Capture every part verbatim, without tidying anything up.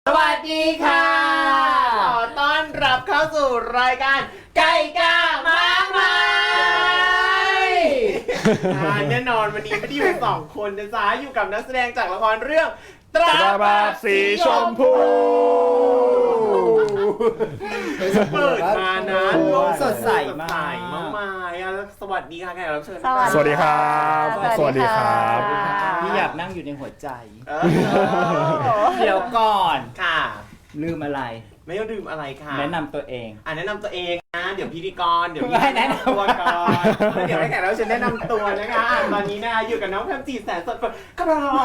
สวัสดีค่ะขอต้อนรับเข้าสู่รายการไก่กามากมายแน่นอนวันนี้ไม่ได้อยู่สองคนนะจ๊ะอยู่กับนักแสดงจากละครเรื่องตราบาปสีชมพูเปิดมานะสดใสมากมากมายสวัสดีค่ะแขกรับเชิญสวัสดีครับสวัสดีครับพี่อยากนั่งอยู่ในหัวใจเดี๋ยวก่อนค่ะลืมอะไรไม่ต้องดื่มอะไรค่ะแนะนำตัวเองอ่ะแนะนำตัวเองนะเดี๋ยวพิธีกรเดี๋ยวพี่แนะนำตัวก่อนเดี๋ยวให้แขกรับเชิญแนะนำตัวนะคะตอนนี้นะคะอยู่กับน้องแพมจีแสนสดกระร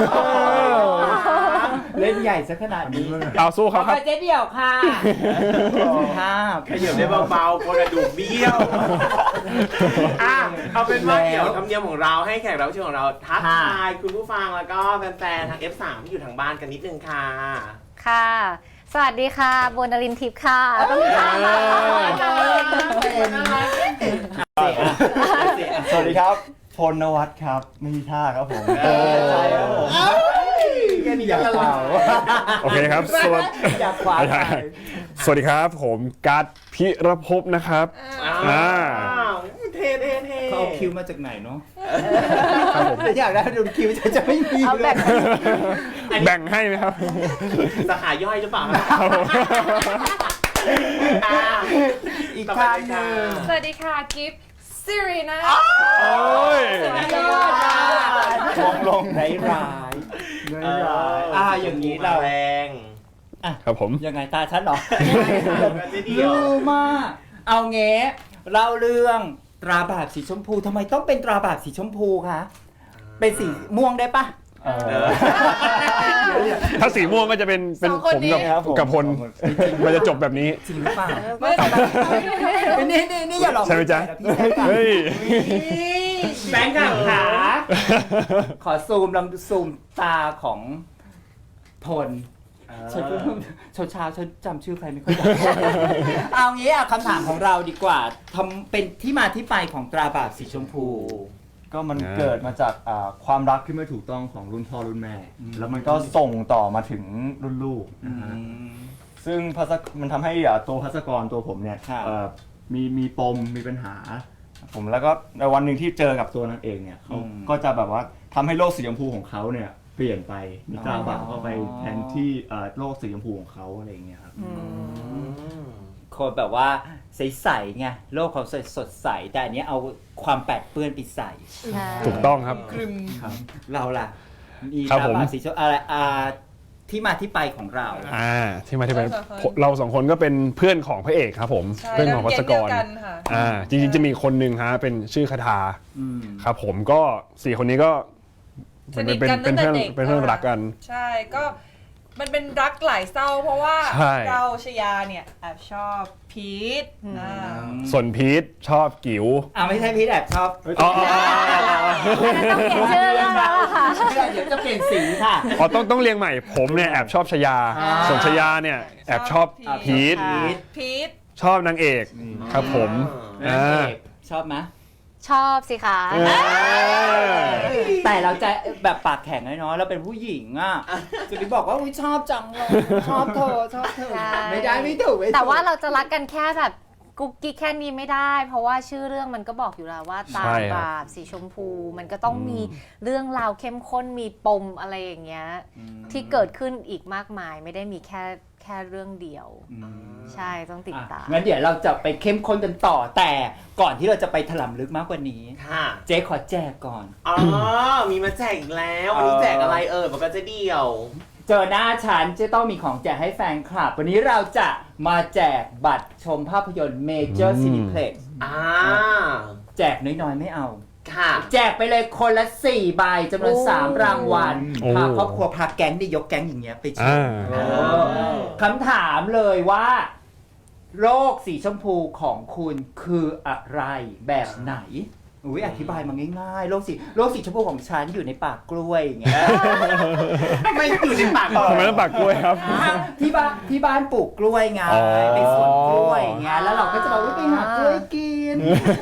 อกเล่นใหญ่ซะขนาดนี้เอาสู้ครับครับเจ๊เดี่ยวค่ะภาพขยับได้เบาๆกระดูกเบี้ยวอ่ะเอาเป็นว่าเดี๋ยวธรรมเนียมของเราให้แขกรับเชิญของเราทักทายคุณผู้ฟังแล้วก็แฟนๆทาง เอฟ สาม ที่อยู่ทางบ้านกันนิดนึงค่ะค่ะสวัสดีค่ะโบนรินทิพย์ค่ะต้องค่ะสวัสดีครับพลนวัฒน์ครับไม่มีท่าครับผมใช่ครับผมแค่นี้อยากเป่าโอเคครับสวัสดีอยากขวาสวัสดีครับผมการ์ดพิรภพนะครับอ่าเท่เท่เท่เขาเอาคิวมาจากไหนเนาะครับผมอยากได้ดูคิวจะจะไม่มีเลยแบ่งให้ไหมครับสาขาย่อยหรือเปล่าอีกท่านหนึ่งสวัสดีค่ะกิฟต์ซิรินะโอ้ยลงลงร้ายร้ายร้ายอ่าอย่างนี้เราแรงอ่ะครับผมยังไงตาฉันหรอรู้มากเอาเงี้ยเล่าเรื่องตราบาปสีชมพูทำไมต้องเป็นตราบาปสีชมพูคะเป็นสีม่วงได้ปะถ้าสีม่วงก็จะเป็นเป็นผมกับกับพลมันจะจบแบบนี้จริงหรือเปล่านี่นี่นี่อย่าหลอกใช่ไหมจ๊ะเฮ้ยแบงค์ขาขอซูมลำซูมตาของพลฉันก็เช้าเช้าฉันจำชื่อใครไม่ค่อยได้เอางี้อ่ะคำถามของเราดีกว่าทำเป็นที่มาที่ไปของตราบาปสีชมพูก็มันเกิดมาจากความรักที่ไม่ถูกต้องของรุ่นพ่อรุ่นแม่แล้วมันก็ส่งต่อมาถึงรุ่นลูกนะฮะซึ่งมันทำให้ตัวภัสกรตัวผมเนี่ยมีมีปมมีปัญหาผมแล้วก็ในวันหนึ่งที่เจอกับตัวนางเอกเนี่ยเขาก็จะแบบว่าทำให้โลกสีชมพูของเขาเนี่ยเปลี่ยนไปมีตราบาปเข้าไปแทนที่โลกสีชมพูของเขาอะไรอย่างเงี้ยครับคนแบบว่าใสๆไงโลกเขาสดใสแต่อันนี้เอาความแปดเปื้อนไปใส่ถูกต้องครับเราล่ะมีตราบาปสีชมพูอะไรอ่าที่มาที่ไปของเราอ่าที่มาที่ไปเราสองคนก็เป็นเพื่อนของพระเอกครับผมเพื่อนของภัสกรอ่าจริงๆจะมีคนหนึ่งฮะเป็นชื่อคาถาครับผมก็สี่คนนี้ก็สนิทกันตั้งแต่เด็กเป็นเพื่อนรักกันใช่ก็มันเป็นรักหลายเศร้าเพราะว่าเราชยาเนี่ยแอบชอบพีทส่วนพีทชอบกิ๋วอ่าไม่ใช่พีทแอบชอบอ๋อต้องเปลี่ยนชื่อแล้วค่ะเดี๋ยวจะเปลี่ยนสีค่ะอ๋อต้องต้องเรียงใหม่ผมเนี่ยแอบชอบชยาส่วนชยาเนี่ยแอบชอบพีทพีทชอบนางเอกครับผมนางเอกชอบไหมชอบสิคะแต่เราจะแบบปากแข็งน้อยๆแล้วเป็นผู้หญิงอ่ะจะไปบอกว่าอุ้ยชอบจังเลยชอบเธอชอบเธอไม่ได้ไม่ถูกแต่ว่าเราจะรักกันแค่แบบกุ๊กกิ๊กแค่นี้ไม่ได้เพราะว่าชื่อเรื่องมันก็บอกอยู่แล้วว่าตาบาปสีชมพูมันก็ต้องมีเรื่องราวเข้มข้นมีปมอะไรอย่างเงี้ยที่เกิดขึ้นอีกมากมายไม่ได้มีแค่แค่เรื่องเดียวใช่ต้องติดตามงั้นเดี๋ยวเราจะไปเข้มข้นกันต่อแต่ก่อนที่เราจะไปถล่มลึกมากกว่านี้เจ๊ขอแจกก่อนอ๋อมีมาแจกอีกแล้ววันนี้แจกอะไรเออมันก็จะเดียวเจอหน้าฉันจะต้องมีของแจกให้แฟนคลับวันนี้เราจะมาแจกบัตรชมภาพยนตร์ Major Cineplex อ่าแจกน้อยๆไม่เอาค่ะแจกไปเลยคนละสี่ใบจำนวนสามรางวัลพาครอบครัวพาแก๊งดิยกแก๊งอย่างเงี้ยไปชมคำถามเลยว่าโรคสีชมพูของคุณคืออะไรแบบไหนอุ้ยอธิบายมาง่ายๆโรคสีโรคสีชมพูของฉันอยู่ในปากกล้วยอย่างเงี้ยไม่อยู่ในปากทำไมต้องปากกล้วยครับที่บ้านที่บ้านปลูกกล้วยไงเป็นสวนกล้วยอย่างเงี้ยแล้วเราก็จะบอกว่าไปหากล้วยกินน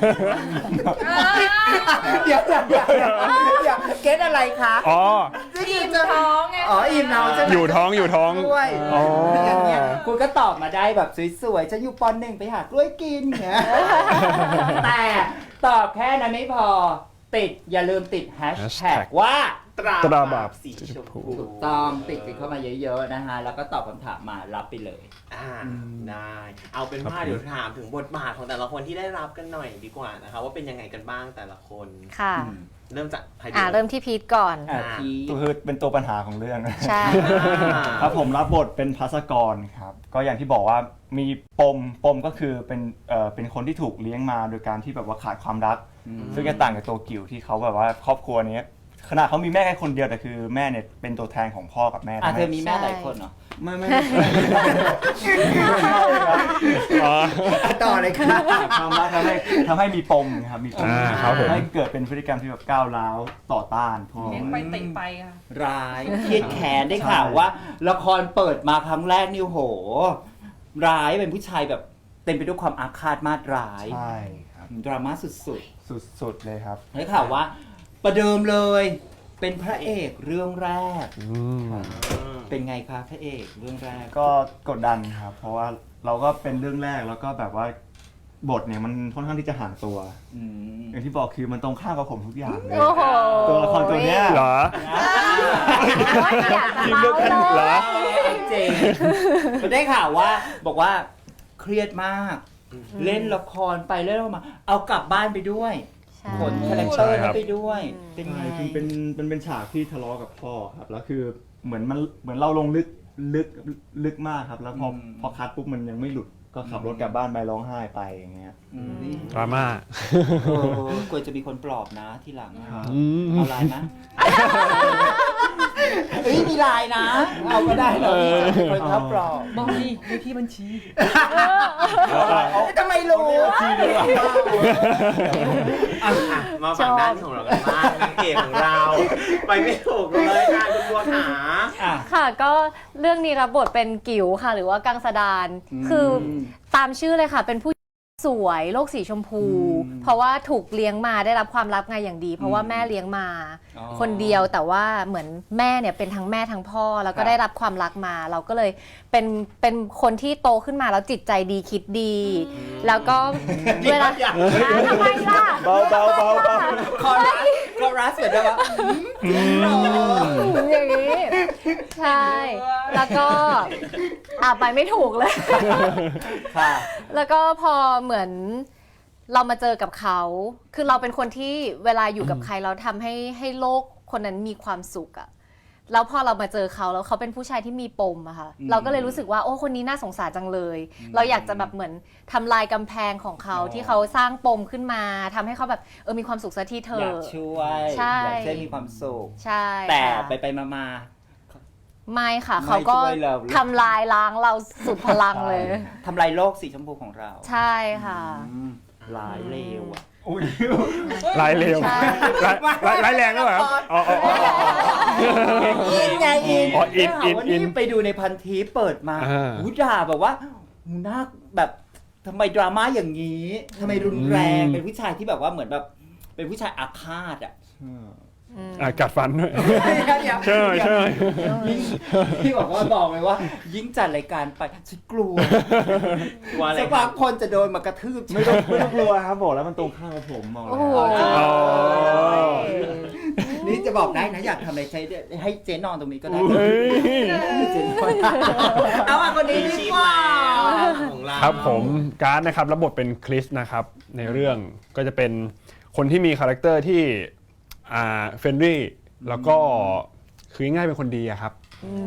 เดี๋ยวเดี๋ยวเดี๋ยวเดี๋ยวเกตอะไรคะอ๋ออิ่มท้องไงอ๋ออิ่มท้องใช่ไหมอยู่ท้องอยู่ท้องด้วยอ๋อออย่างเงี้ยคุณก็ตอบมาได้แบบสวยๆฉันอยู่ปอนหนึ่งไปหากล้วยกินอย่างเงี้ยแต่ตอบแค่นั้นไม่พอติดอย่าลืมติดแฮชแท็กว่าตราตราบาบาปปสีชมพูถูกต้องติดกันเข้ามาเยอะๆนะฮะแล้วก็ตอบคำถามมารับไปเลยอ่าได้เอาเป็นว่าเดี๋ยวถามถึงบทบาทของแต่ละคนที่ได้รับกันหน่อยดีกว่านะคะว่าเป็นยังไงกันบ้างแต่ละคนค่ะเริ่มจากใครดีอ่าเริ่มที่พีทก่อนอ่ะพี่ก็คือเป็นตัวปัญหาของเรื่องใช่อ่าครับผมรับบทเป็นภัสกรครับก็อย่างที่บอกว่ามีปมปมก็คือเป็นเอ่อเป็นคนที่ถูกเลี้ยงมาโดยการที่แบบว่าขาดความรัก ซึ่งจะต่างกับตัวกิ๋วที่เขาแบบว่าครอบครัวนี้ขนาดเขามีแม่แค่คนเดียวแต่คือแม่เนี่ยเป็นตัวแทนของพ่อกับแม่อ่ะทำเธให้อมีแม่หลายคนเหรอไม่ไม่ไม่อ๋อต่อเลยค่ะความรักทำให้ทำให้มีปมครับมีปมอ่าครับผมให้เกิดเป็นพฤติกรรมที่แบบก้าวร้าวต่อต้านพ่อเลี้ยงไปเตะไปค่ะร้ายเครียดแค้นได้ข่าวว่า ละครเปิดมาครั้งแรกนี่โห ร้ายเป็นผู้ชายแบบเต็มไปด้วยความอาฆาตมาตร้ายใช่ครับดราม่าสุดสุดๆเลยครับๆได้ข่าวว่า ประเดิมเลย เป็นพระเอกเรื่องแรกอืมเป็นไงคะพระเอกเรื่องแรกก็กดดันครับ เพราะว่าเราก็เป็นเรื่องแรกแล้วก็แบบว่าบทเนี่ยมันค่อนข้างที่จะห่างตัวอืมอย่างที่บอกคือมันตรงข้ามกับผมทุกอย่างเลยโอ้โหตัวละครตัวเนี้ยเหรอว่าอยากจะเล่าเหรเลอยจริงๆได้ข่าวว่าบอกว่าเครียดมาก เล่นละครไปเล่นมา เอากลับบ้านไปด้วยใช่ขนคาแรคเตอร์ใช่ครันั้นบไปด้วย เป็นไงใช่คือเป็นเป็นเป็นฉากที่ทะเลาะกับพ่อครับ แล้วคือเหมือนมันเหมือนเราลงลึกลึกลึกมากครับ แล้วพอพอคัดปุ๊บมันยังไม่หลุด ก็ขับรถกลับบ้านไปร้องไห้ไปอย่างเงี้ยอืมดราม่าเออกลัวจะมีคนปลอบนะทีหลังอะอืมเอาไลน์นะเอ้ยมีไลน์นะ เอาก็ได้เรามีคนเขาปลอบบอกดีในที่บัญชีทำไมรู้อ่ะอ่ะมาฝั่งด้านของเรากันบ้างนางเอกของเรา ไปไม่ถูกเลยค่ะคุณบัวขาอ่ะค่ะก็เรื่องนี้รับบทเป็นกิ๋วค่ะ หรือว่ากังสดาน คือตามชื่อเลยค่ะ เป็นผู้สวยโลกสีชมพู เพราะว่าถูกเลี้ยงมาได้รับความรักไงอย่างดี เพราะว่าแม่เลี้ยงมาอ๋อคนเดียวแต่ว่าเหมือนแม่เนี่ยเป็นทั้งแม่ทั้งพ่อ แล้วก็ครับได้รับความรักมา เราก็เลยเป็นเป็นคนที่โตขึ้นมาแล้วจิตใจดีคิดดี แล้วก็เวลาอ่ะทำไมล่ะเบาเบาเบาเบาคอรัสคอรัสเหมือนแบบว่าอย่างนี้ ใช่ แล้วก็อ่ะไปไม่ถูกเลยค่ะแล้วก็พอเหมือนเรามาเจอกับเขา คือเราเป็นคนที่เวลาอยู่กับใครเราทำให้ให้โลกคนนั้นมีความสุขอะแล้วพอเรามาเจอเขาแล้วเขาเป็นผู้ชายที่มีปมอะค่ะอืมเราก็เลยรู้สึกว่าโอ้คนนี้น่าสงสารจังเลย เราอยากจะแบบเหมือนทำลายกำแพงของเขาอ๋อที่เขาสร้างปมขึ้นมาทำให้เขาแบบเออมีความสุขสักทีเถอยากอะช่วยใช่อยากให้มีความสุขใช่แต่ค่ะไปไปมามาไม่ค่ะไม่เขาก็ช่วยเราทำลายล้างเราสุดพลังเลยทำลายโลกสีชมพูของเราใช่ค่ะอืมร้ายเลวอ่ะอุ้ยร้ายเร็วใช่ร้ายร้ายร้ายแรงด้วยเหรอครับอ๋ออ๋ออ๋ออินไงอินอ๋ออินอินได้ข่าวว่าอินไปดูในพันทิปเปิดมาอ่าหูด่าแบบว่าหูน่าแบบทำไมดราม่าอย่างนี้ทำไมรุนแรงอืมเป็นผู้ชายที่แบบว่าเหมือนแบบ เป็นผู้ชายอาฆาตอ่ะอ่ะกัดฟันด้วย ใช่ใช่ยิ่งที่บอกว่าบอกเลยว่า ยิ่งจัดรายการไปฉันกลัวกลัวอะไรสักพักคนจะโดนมากระทืบไม่ต้องไม่ต้องกลัวครับบอกแล้วมันตรงข้ามกับผมบอกเลโอ้ยโหอ๋อนี่จะบอกได้นะอยากทำอะไรใช้ให้เจ๊นอนตรงนี้ก็ได้เฮ้ยเจ๊นอนเอามาคนนี้ดีชีพกว่าแล้วของเราครับผมการ์ดนะครับรับบทเป็นคริสนะครับในเรื่องก็จะเป็นคนที่มีคาแรคเตอร์ที่อ่าเฟรนลี่แล้วก็คือง่ายๆเป็นคนดีอะครับ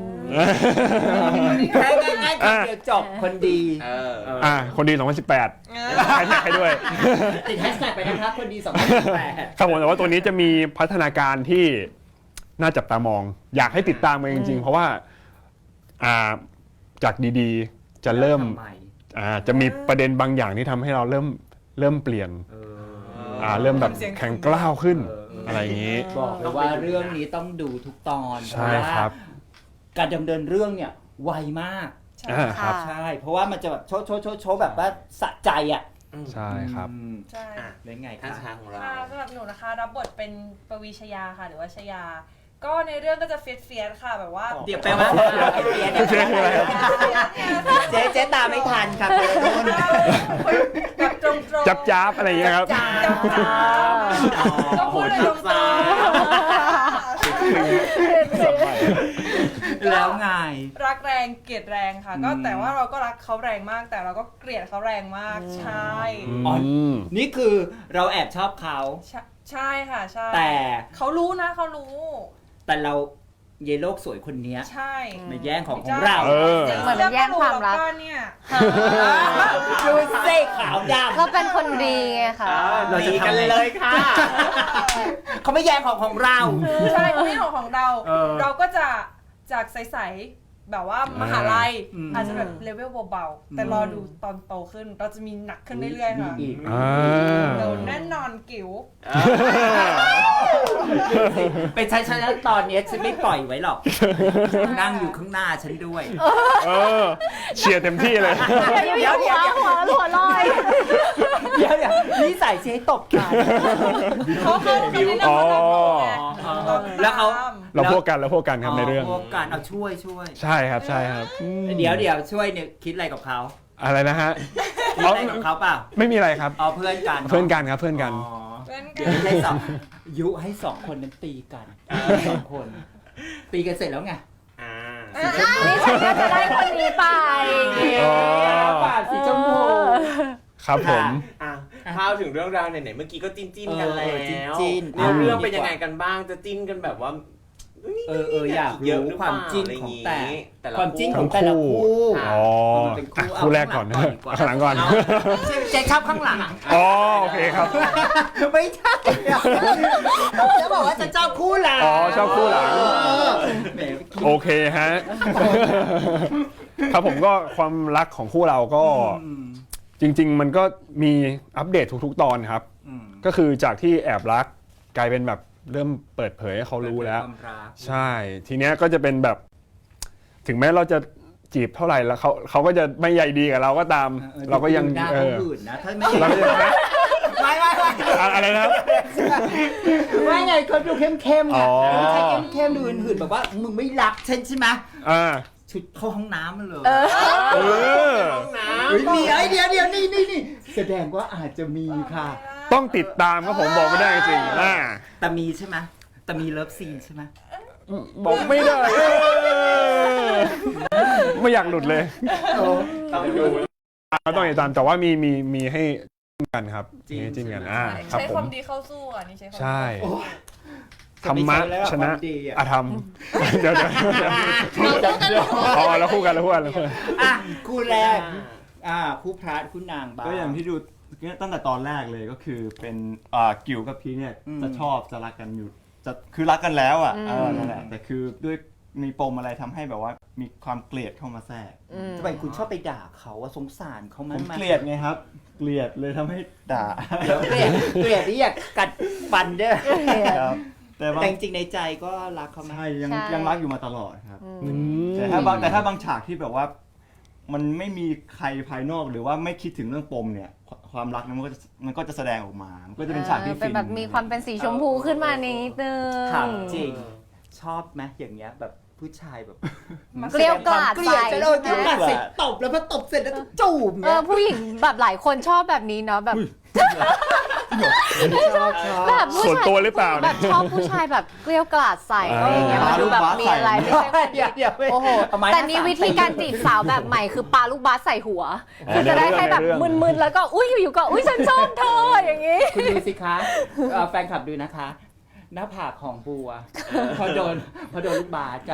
แค่ง่ายๆคนเดียวจบคนดีเอออ่าคนดีสองพันสิบแปดแฮชแท็กให้ด้วยติดแฮชแท็กไปนะครับคนดีสองพันสิบแปดครับผมแต่ว่าตัวนี้จะมีพัฒนาการที่น่าจับตามอง อยากให้ติดตามมันจริงๆ เพราะว่าอ่าจากดีๆ จะเริ่มอ่าจะมีประเด็นบางอย่างที่ทำให้เราเริ่มเริ่มเปลี่ยนอ่าเริ่มแบบแข็งกล้าวขึ้นอะไรอย่างนี้บอกเลยว่าเรื่องนี้ต้องดูทุกตอนใช่ครับเพาะว่าการดำเนินเรื่องเนี่ยไวมากอ่าครับใช่ เพราะว่ามันจะแบบโชว์โชว์โชว์โชว์แบบว่าสะใจอ่ะใช่ครับอืมใช่อ่ะเป็นไงท่านคะชาของเราค่ะสำหรับหนูนะคะ รับบทเป็นปวีชยาค่ะ หรือว่าชยา ก็ในเรื่องก็จะเฟียสเฟียสค่ะแบบว่าเดี๋ยวแปลว่าเฟียสเฟียสคืออะไรครับเจ๊เจ๊ตามไม่ทันครับแบบตรงๆจับจ้าบอะไรอย่างเงี้ยครับจ้าก็พูดเลยตรงแล้วไงๆรักแรงเกลียดแรงค่ะ ก็แต่ว่าเราก็รักเขาแรงมาก แต่เราก็เกลียดเขาแรงมาก ใช่อ๋อมนี่คือเราแอบชอบเขาใช่ใช่ค่ะใช่แต่เขารู้นะเขารู้แต่เราเยโลกสวยคนเนี้ยใช่มาแย่งของของเราเออเหมือนแย่งความรักก็เนี่ยดูเซ่ขาวดำก็เป็นคนดีไงค่ะเราจะดีทำกันไงเลยค่ะเขาไม่แย่งของของเราใช่ไม่ของของเราเออเราก็จะจากใสๆแบบว่ามหาลัยอืมอาจจะแบบเลเวลเบาๆ แต่รอดูตอนโตขึ้น เราจะมีหนักขึ้นเรื่อยๆค่ะมีอีกอ่าโดนแน่นอนกิ๋วเป็นฉันฉันตอนเนี้ยฉันไม่ปล่อยไว้หรอก นั่งอยู่ข้างหน้าฉันด้วยเออเชียร์เต็มที่เลยเดี๋ยวเดี๋ยวหัวหัวลอยเดี๋ยวเดี๋ยวนี่ใส่เจ๊ตบกันเขาเขาเขาแนะนำอ๋อเขาทำไงแล้วเขาเราพวกกันเราพวกกันครับในเรื่องพวกการเอาช่วยช่วยใช่ครับใช่ครับอืมเดี๋ยวเดี๋ยวช่วยเนี่ยคิดอะไรกับเขาอะไรนะฮะคิดอะไรกับเขาเปล่าไม่มีอะไรครับเอาเพื่อนกันเพื่อนกันครับเพื่อนกันอ๋อเพื่อนกัเดี๋ยวน ให้สองยุให้สองคนนั้นตีกันสองคน ตีกันเสร็จแล้วไงอ่านี่ฉันก็จะได้คนนี้ไปอ๋อปากสีชมพูครับผมอ่ะเข้าถึงเรื่องราวไหนๆเมื่อกี้ก็จิ้นจิ้นๆกันแล้เออวจิ้นๆเนื้อเรื่องเป็นยังไงกันบ้างจะจิ้นกันแบบว่าเออเอออยากเยอะรู้หรือคเปวาล่ามจิ้นอะไรของย่แต่แต่ละความจิ้นขทั้องงแต่ละคู่คู่อ๋อมันเป็นคู่อ่ะคู่แรกก่อนนะเอาข้างหลังก่อนดีกว่าข้างหลังก่อนเอาเจ๊ชอบข้างหลังอ๋อโอเคครับไม่ใช่จะบอกว่าจะชอบคู่หลังอ๋อชอบคู่หลังเออแหมโอเคฮะ ครับผมก็ความรักของคู่เราก็อืมจริง ๆ มันก็มีอัปเดตทุกๆ ตอนครับอืมก็คือจากที่แอบรักกลายเป็นแบบเริ่มเปิดเผยให้เขารู้แล้วความรักใช่ ทีเนี้ยก็จะเป็นแบบ ถึงแม้เราจะจีบเท่าไหร่แล้วเขาเขาก็จะไม่ใยดีกับเราก็ตามออเราก็ยังดูหน้าเอเขาอหื่นนะถ้าไม่เราก็ยังไม่ไม่ไม่อะอะไรนะครับไม่ไงเขาดูเข้มเข้มๆไงอ๋อไม่ใช่เข้มเข้มๆดูหื่นๆแบบว่ามึงไม่รักฉันใช่ไหมอ่าชุดเข้าห้องน้ำมันเลยเออห้องน้เฮ้ยมีไอเดียเดียวนี่นี่นี่แสดงว่าอาจจะมีค่ะต้องติดตามครับผมบอกไม่ได้จริงๆอ่าแต่มีใช่ไหมแต่มีเลิฟซีนใช่ไหมบอกไม่ได้เออไม่อยากหลุดเลยำต้องดูต้องติดตามแต่ว่ามีมีมีให้จิ้มกันครับมีให้จิ้มกันอ่าครับใช้ผความมดีเข้าสู้อ่ะนี่ใช้ความดีใช่โอ้ยธรรมะชนะความดีอะอาธรรมเดี๋ยวเดี๋ยวเดี๋ยวอ๋อแล้วคู่กันแล้วคู่กันแล้วคู่กันอ่ะคู่แรกอ่าคู่พระคู่นางบ้างก็อย่างที่ดูเนี่ยตั้งแต่ตอนแรกเลยก็คือเป็นอ่ากิวกับพีชเนี่ยอืมจะชอบจะรักกันอยู่จะคือรักกันแล้วอ่ะอืมเออนั่นแหละแต่คือด้วยมีปมอะไรทำให้แบบว่ามีความเกลียดเข้ามาแทรกทำไมคุณชอบไปด่าเขาอะสงสารเขาผมั้มยเกลียดไงครับ เกลียดเลยทำให้ด่าเดี๋ยวเกลียดเกลียดที่อยากกัดฟันเด้อครับแต่บางแต่จริงๆในใจก็รักเขาไหมใช่ยังใช่ยังรักอยู่มาตลอดครับอืมอืมแต่ถ้าบางแต่ถ้าบางฉากที่แบบว่า มันไม่มีใครภายนอกหรือว่าไม่คิดถึงเรื่องปมเนี่ย ความรักนั้นมันก็จะมันก็จะแสดงออกมา มันก็จะเป็นฉากที่เออเป็ฟินนแบบมีความเป็นสีชมพูขึ้นมานิดนึงถามจริง ชอบไหมอย่างเงี้ยแบบผู้ชายแบบเกลียวกราดเกลียดใส่จะโดนเกลียวกราดใส่ตบแล้วพอตบเสร็จแล้วก็จูบเอเนี่ยอผู้หญิงแบบหลายคนชอบแบบนี้เนาะแบบชอบชอบแบบผู้ส่วนชายตัวหรือเปล่าแบเนี่ยบชอบผู้ชายแบบเกลียวกราดใส่อ่าอะไรอย่างเงี้ยมันดูแบบมีอะไรไม่ใช่เดี๋ยวเดี๋ยวโอ้โหเอาไม้แต่หานี่สามวิธีการจีบสาวแบบใหม่คือปาลูกบาสใส่หัว คือจะได้ให้แบบมึนๆแล้วก็อุ้ยอยู่ๆก็อุ้ยฉันชอบเธออย่างงี้คุณดูสิคะเอ่อแฟนคลับดูนะคะ หน้าผากของบัวพอโดนพอโดนลูกบาสกัน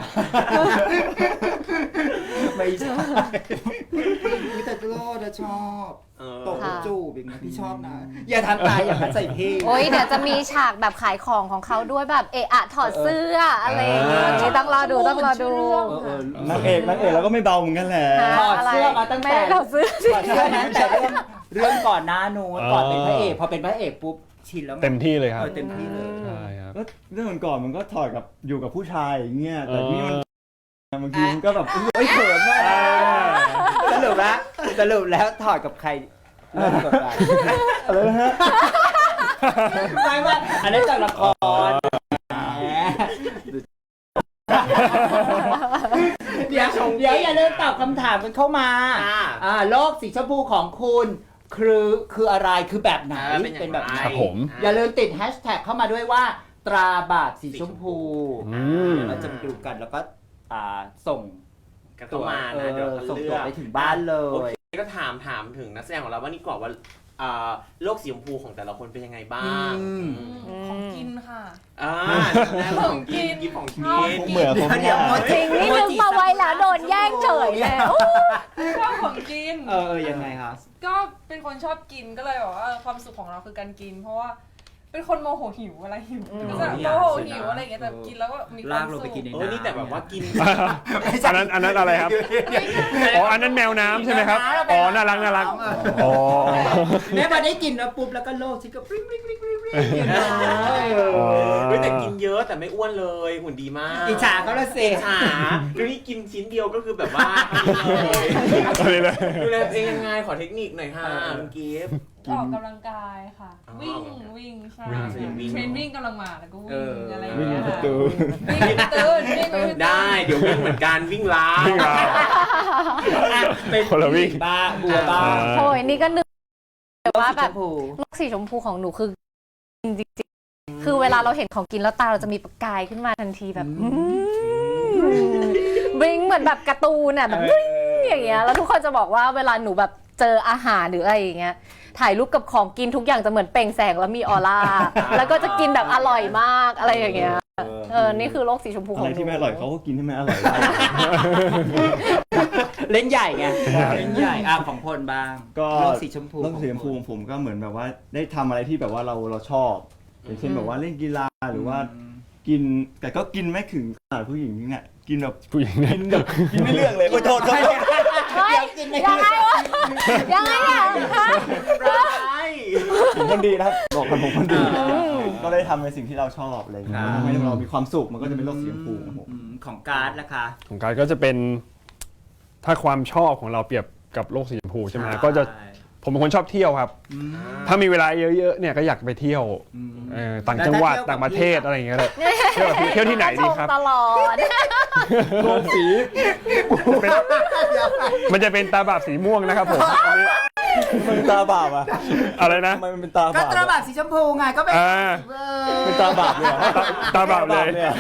ไม่ใช่วิตาโลจะชอบเออตบแล้วจูบอย่างเงี้ยพี่ชอบนะ อย่าทำตายอย่างนั้นใส่พี่โอ้ยเดี๋ยวจะมีฉากแบบขายของของเขาด้วยแบบเอะอะถอดเสื้ออะไรอย่างเงี้ยนี่ต้องรอดูต้องรอดูเออเออนางเอกนางเอกเราก็ไม่เบาเหมือนกันแหละถอดเสื้อมาตั้งไม่แต่ได้ถอดเสื้อถอดเสื้อนะแต่เรื่องเรื่องก่อนหน้านู้นก่อนเป็นพระเอกพอเป็นพระเอกปุ๊บชินแล้วไงเต็มที่เลยครับเออเต็มที่เลยใช่ครับก็เรื่องก่อนๆมันก็ถอดกับอยู่กับผู้ชายอย่างเงี้ยแต่เออนี่มันบางทีมันก็แบบเอ้ยเขินมากสรุปแล้วสรุปแล้วถอดกับใครเริ่มกดดันอะไรนะฮะไม่ไม่อันนี้จากละครแหมเดี๋ยวเดี๋ยวอย่าลืมตอบคำถามกันเข้ามาอ่าอ่าโลกสีชมพูของคุณคือคืออะไรคือแบบไหนอ่าเป็นอย่างไรแบบไหนครับผมอย่าลืมติดแฮชแท็กเข้ามาด้วยว่า ตราบาปสีชมพูอืมเราจะมาดูกันแล้วก็อ่าส่งกันเข้ามาเอนะเดี๋ยวอเขาส่งเลืตัวอกไปถึงบ้านเลโอย เคก็ถามถามถึงนักแสดงของเราว่านี่ก่อนว่าอ่าโลกสีชมพูของแต่ละคนเป็นยังไงบ้างอืมอืมของกินค่ะอ่าของกินกินของกินผมเหมือนผมเดี๋ยวจริงนี่นึกมาไว้แล้วโดนแย่งเฉยแล้วชอบของกินเออเออยังไงคะก็เป็นคนชอบกินก็เลยบอกว่าเออความสุขของเราคือการกิน เพราะว่าเป็นคนโมโหหิวอะไรหิวอืมก็จะโมโหหิวอะไรอย่างเงี้ยแต่กินแล้วก็มีความลากลงสุไปขกินในเออนี่แต่แบบว่ากินอันนั้นอันนั้นอะไรครับ อ๋อ อันนั้นแมวน้ำใช่ไหมครับ อ๋อ น่ารักน่ารัก อ๋อแม่พอได้กินแล้วปุ๊บแล้วก็โลกชิคก็ปริ้งปริ้งปริ้งปริ้งปริ้งอยู่นะอ๋อเฮ้ยแต่กินเยอะแต่ไม่อ้วนเลยหุ่นดีมากอิจฉาเขาละสิอิจฉาดูนี่กินชิ้นเดียวก็คือแบบว่าพอดีเลยอะไรเลยดูแลตัวเองยังไงขอเทคนิคหน่อยค่ะคุณกิฟต์ออกกำลังกายค่ะอ๋อวิ่งวิ่งใช่วิ่งเทรนวิ่งกำลังมาแล้วก็วิ่งอะไรอย่างวิ่งเงี้ยประค่ะตูวิ่งไปตื่นวิ่งไปตื่นได้เดี๋ยววิ่งเหมือนกันวิ่งล้าวิ่งราวอ่ะเป็นคนละวิ่งบ้าบัวบ้าอ่าโอ้ยนี่ก็นึกว่าแบบโลกสีชมพูโลกสีชมพูของหนูคือจริงๆคือเวลาเราเห็นของกินแล้วตาเราจะมีประกายขึ้นมาทันทีแบบบลิงเหมือนแบบการ์ตูนอ่ะแบบบลิงอย่างเงี้ยแล้วทุกคนจะบอกว่าเวลาหนูแบบเจออาหารหรืออะไรอย่างเงี้ยถ่ายรูปกับของกินทุกอย่างจะเหมือนเปล่งแสงแล้วมีออร่าแล้วก็จะกินแบบอร่อยมากอะไรอย่างเงี้ยเออนี่คือโลกสีชมพูขอะองไรหนูที่ไม่อร่อยเขาก็กินให้มันอร่อยเล่นใหญ่ไงเล่นใหญ่อ่ะของพลบ้างก็โลกสีชมพูโลกสีชมพูของผมก็เหมือนแบบว่าได้ทำอะไรที่แบบว่าเราเราชอบอย่างเช่นแบบว่าเล่นกีฬาหรือว่ากินแต่ก็กินไม่ถึงขนาดผู้หญิงเนี่ยกินแบบผู้หญิงเนี่ยกินแบบกินไม่เลือกเลยโอ้ยโทษโทษโทษเฮ้ยยังไงวะยังไงอ่ะฮะร้ายผมคนดีนะครับบอกกันผมคนดีก็ได้ทำในสิ่งที่เราชอบอะไรอย่างเงี้ยทำให้เรามีความสุขมันก็จะเป็นโลกสีชมพูของผมอืมของการ์ดล่ะคะของการก็จะเป็น ถ้าความชอบของเราเปรียบกับโลกสีชมพูใช่ไหมใช่ก็จะ ผมเป็นคนชอบเที่ยวครับอืมถ้ามีเวลาเยอะๆ เนี่ยก็อยากไปเที่ยวอืมเออต่างจังหวัดแล้วถ้าเที่ยวกับต่างประเทศพี่อะไรอย่างเงี้ยเลยเที่ยวกับพี่เที่ยวที่ไหนดีครับตลอดโลกสีเป็นมันจะเป็นตาบาปสีม่วงนะครับผมอันนี้มันตาบาปอะอะไรนะทำไมมันเป็นตาก็บาปตราบาปสีชมพูไงก็เป็นอ่าเออเป็นตาบาปเลยเหรอตาตาบาปเลยเนี่ย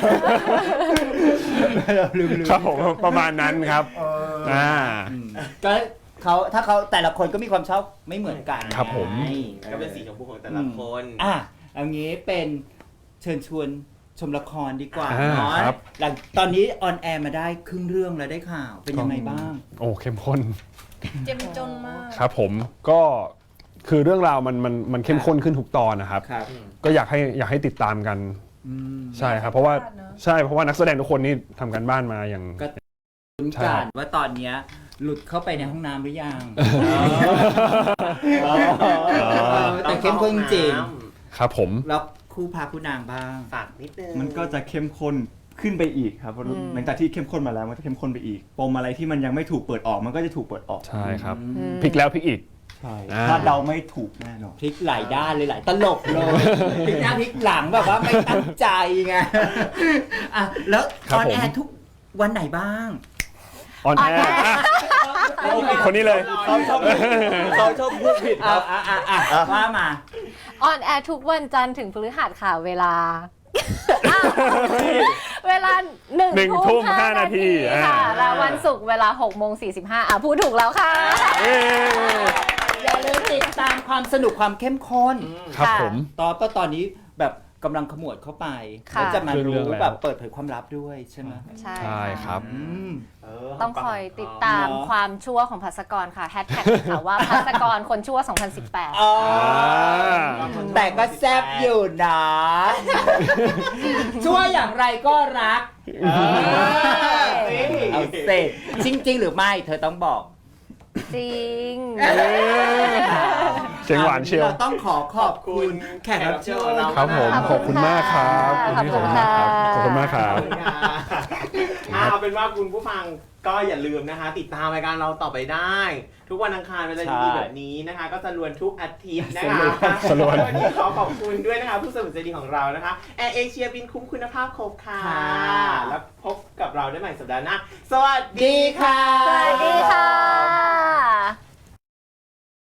ลืมลืมครับผมประมาณนั้นครับอ่าก็เขาถ้าเขาแต่ละคนก็มีความชอบไม่เหมือนกันครับผมไงก็เป็นสีชมพูของแต่ละคนอ่ะเอางี้เป็นเชิญชวนชมละครดีกว่าอ่าเนาะครับหลังตอนนี้ออนแอร์มาได้ครึ่งเรื่องแล้วได้ข่าวเป็นยังไงบ้างโอ้เข้มข้นเจ็มจนมากครับผมก็คือเรื่องราวมันมันมันเข้มข้นขึ้นทุกตอนนะครับครับก็อยากให้อยากให้ติดตามกันอืมใช่ครับ เพราะว่าพลาดเนอะใช่เพราะว่านักแสดงทุกคนนี่ทำกันบ้านมาอย่างก็ ลุ้นใช่กัครันบว่าตอนเนี้ยหลุดเข้าไปในห้องน้ำหรือยังอ๋อแต่เข้มข้นจริงครับผมแล้วคู่พาคู่นางบ้างฝากนิดนึงมันก็จะเข้มข้นขึ้นไปอีกครับเพราะหลังจากที่เข้มข้นมาแล้วมันจะเข้มข้นไปอีกปมอะไรที่มันยังไม่ถูกเปิดออกมันก็จะถูกเปิดออกใช่ครับอืมพลิกแล้วพลิกอีกใช่อ่าถ้าเดาไม่ถูกแน่นอนพลิกหลายด้านเลยหลายตลกเลยพลิกหน้าพลิกหลังแบบว่าไม่ตั้งใจไงอ่ะแล้วครัอบ อนผมแอร์ทุกวันไหนบ้างออนแอร์คนนี้เลยเขาชอบเขาชอบพูดผิดคอ่ะรับอ่ะอ่ะอ่ะว่ามาออนแอร์ทุกวันจันทร์ถึงพฤหัสค่ะเวลา เวลาหนึ่งหนึ่งทุ่ทุ่มมห้าห้านานาทีทีค่ะอ่าแล้ววันศุกร์เวลาหกโมงสี่สิบห้าอ่ะพูดถูกแล้วค่ะเอ้ยอย่าลืมติดตามความสนุกความเข้มข้นครับผมตอนก็ตอนนี้แบบกำลังขมวดเข้าไปค่ะแล้วจะมาเรื่องรู้แล้วแบบเปิดเผยความลับด้วยใช่ไหมใช่ใช่ครับอืมเต้องคอยติดตามเนอะความชั่วของภัสกรค่ะแฮชแท็กค่ะว่าภัสกรคนชั่วสองพันสิบแปดอ๋ออ่าแต่ก็แซบอยู่นะ ชั่วอย่างไรก็รัก เอาเสร็จจริง ๆ หรือไม่เธอต้องบอกจริงเสียงหวานเชียวเราต้องขอขอบคุณแขกรับเชิญครับผมขอบคุณขอบคุณมากครับค่ะขอบคุณมากครับขอบคุณค่ะขอบคุณมากครัขบอบคุณค่ะอ่าเอาเป็นว่าคุณผู้ฟังก็อย่าลืมนะคะ ติดตามรายการเราต่อไปได้ ทุกวันอังคารเวลาดีๆแบบนี้นะคะ ก็จะลวนทุกอาทิตย์นะคะสลวนวันนี้ขอขอบคุณด้วยนะคะ ผู้สนับสนุนใจดีของเรานะคะแอร์เอเชียบินคุ้มคุณภาพครบค่ะ แล้วพบกับเราได้ใหม่สัปดาห์หน้าสวัสดีค่ะ